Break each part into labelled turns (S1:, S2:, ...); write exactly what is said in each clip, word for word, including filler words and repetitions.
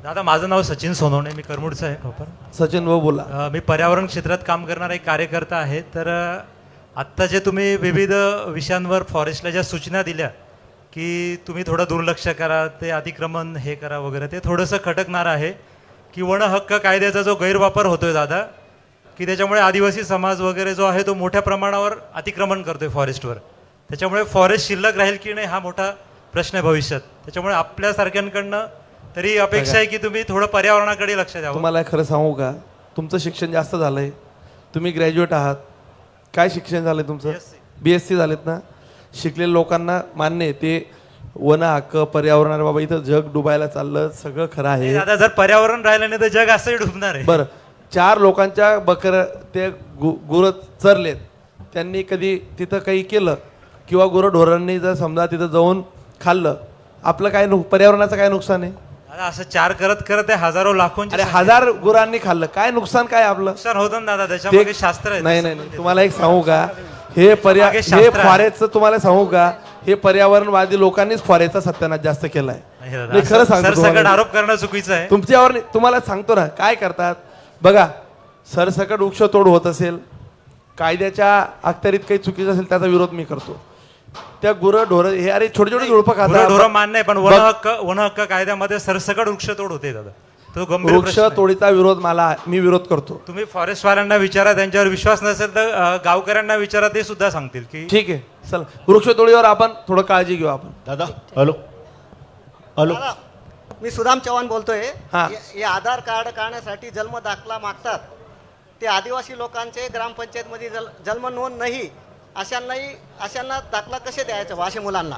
S1: दादा माझं नाव सचिन सोनवणे, मी करमुडचा आहे प्रॉपर.
S2: सचिन भाऊ बोला.
S1: अ, मी पर्यावरण क्षेत्रात काम करणारा एक कार्यकर्ता आहे. तर अ, आत्ता जे तुम्ही विविध विषयांवर फॉरेस्टला ज्या सूचना दिल्या की तुम्ही थोडं दुर्लक्ष करा, ते अतिक्रमण हे करा वगैरे, ते थोडंसं खटकणार आहे की वन हक्क कायद्याचा जो गैरवापर होतोय दादा, की त्याच्यामुळे आदिवासी समाज वगैरे जो आहे तो मोठ्या प्रमाणावर अतिक्रमण करतोय फॉरेस्टवर. त्याच्यामुळे फॉरेस्ट शिल्लक राहील की नाही हा मोठा प्रश्न आहे भविष्यात. त्याच्यामुळे आपल्यासारख्यांकडनं तरी अपेक्षा आहे की तुम्ही थोडं पर्यावरणाकडे लक्ष द्यावं.
S2: तुम्हाला खरं सांगू का, तुमचं शिक्षण जास्त झालंय, तुम्ही ग्रॅज्युएट आहात. काय शिक्षण झालंय तुमचं? बी एस सी झालेत ना. शिकलेल्या लोकांना मान्य आहे ते वन हक्क पर्यावरण, बाबा इथं जग डुबायला चाललं, सगळं खरं आहे
S1: दादा. जर पर्यावरण राहिलं नाही तर जग असंही डुबणार आहे.
S2: बरं, चार लोकांच्या बकर ते गु गुरं चरलेत, त्यांनी कधी तिथं काही केलं किंवा गुरंढोरांनी जर समजा तिथं जाऊन खाल्लं, आपलं काय नु पर्यावरणाचं काय नुकसान आहे?
S1: दादा असं चार करत करत ते हजारो लाखोंची
S2: अरे हजार गुरांनी खाल्लं, काय नुकसान काय आपलं?
S1: नुकसान होतं ना दादा, त्याच्यामध्ये
S2: ते
S1: शास्त्र आहे.
S2: नाही नाही नाही, तुम्हाला एक सांगू का, हे पर्या
S1: मागे
S2: हे
S1: शास्त्र आहे.
S2: फॉरेस्टचं तुम्हाला सांगू का, हे पर्यावरणवादी लोकांनीच फॉरेस्टचा सत्यानाश जास्त केलाय.
S1: नाही दादा,
S2: मी खरं
S1: असं
S2: सांगतो
S1: सरसकट
S2: तुम्हाला.
S1: आरोप करणं चुकीचं आहे.
S2: तुमच्यावर नाही, तुम्हाला सांगतो ना काय करतात बघा. सरसकट वृक्षतोड होत असेल, कायद्याच्या अखत्यारीत काही चुकीचं असेल, त्याचा विरोध मी करतो. त्या गुरं ढोर हे अरे छोटे छोटे झुडपं खातात.
S1: ढोरं मान्य आहे, पण वन हक्क वन हक्क कायद्यामध्ये सरसकट वृक्षतोड होते दादा. तो गंभीर
S2: वृक्ष
S1: प्रश्न आहे.
S2: तोडीचा विरोध मला मी विरोध करतो.
S1: तुम्ही फॉरेस्ट वाल्यांना विचारा, त्यांच्यावर विश्वास नसेल तर अ, गावकऱ्यांना विचारा, ते सुद्धा सांगतील की
S2: ठीक आहे. चल, वृक्षतोडीवर आपण थोडं काळजी घेऊ आपण.
S3: दादा हॅलो हॅलो
S4: दादा, मी सुदाम चव्हाण बोलतोय.
S2: हा.
S4: हे- हे आधार कार्ड काढण्यासाठी जन्म दाखला मागतात. ते आदिवासी लोकांचे ग्रामपंचायतमध्ये जल जन्म नोंद नाही, अशांनाही अशांना दाखला कसे द्यायचं वाशे मुलांना?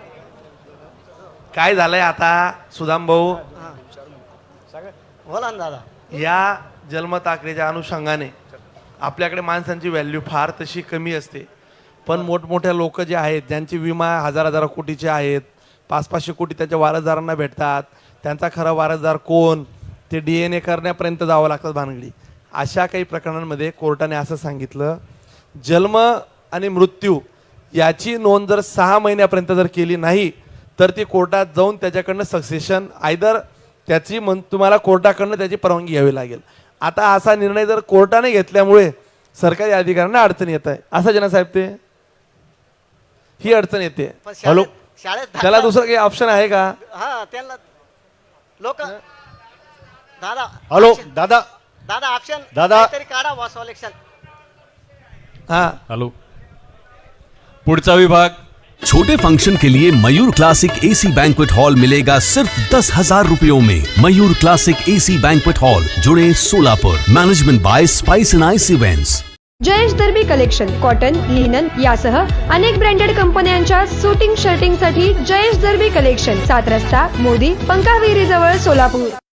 S2: काय झालंय आता सुदाम भाऊ,
S4: बोला ना दादा.
S2: या जन्मताकरीच्या अनुषंगाने आपल्याकडे माणसांची व्हॅल्यू फार तशी कमी असते. पण मोठमोठ्या लोक जे आहेत, ज्यांचे विमा हजार हजार कोटीचे आहेत, पाच पाचशे कोटी त्याच्या वारसदारांना भेटतात, त्यांचा खरा वारसदार कोण ते डी एन ए करण्यापर्यंत जावं लागतात भानगडी. अशा काही प्रकरणांमध्ये कोर्टाने असं सांगितलं, जन्म आणि मृत्यू याची नोंद जर सहा महिन्यापर्यंत जर केली नाही तर ती कोर्टात जाऊन त्याच्याकडनं सक्सेशन आयदर त्याची मन तुम्हाला कोर्टाकडनं त्याची परवानगी घ्यावी लागेल. आता असा निर्णय जर कोर्टाने घेतल्यामुळे सरकारी अधिकाऱ्यांना अडचण येत आहे. असं जनासाहेब, ते ही अडचण येते.
S4: पण
S2: हॅलो,
S4: शाळेत शाळेत
S2: त्याला
S4: दाखला-
S2: दुसरं काही ऑप्शन आहे का?
S4: हा, त्यांना लोक दादा
S3: हॅलो
S4: option-
S3: दादा
S4: दादा ऑप्शन
S3: दादा.
S4: तरी काढा वा सॉलेक्शन.
S2: हा,
S5: हेलो पुढचा विभाग.
S6: छोटे फंक्शन के लिए Mayur classic AC banquet hall मिलेगा सिर्फ दस हजार रुपयों में। Mayur classic AC banquet hall, जुड़े Solapur. Management by spice and ice events.
S7: Jayesh दर्बी कलेक्शन कॉटन, लिनन यासह अनेक ब्रँडेड कंपन्यांच्या सुटिंग शर्टिंग साठी जयेश दर्बी कलेक्शन, सात रस्ता मोदी पंकाविरी जवळ सोलापूर.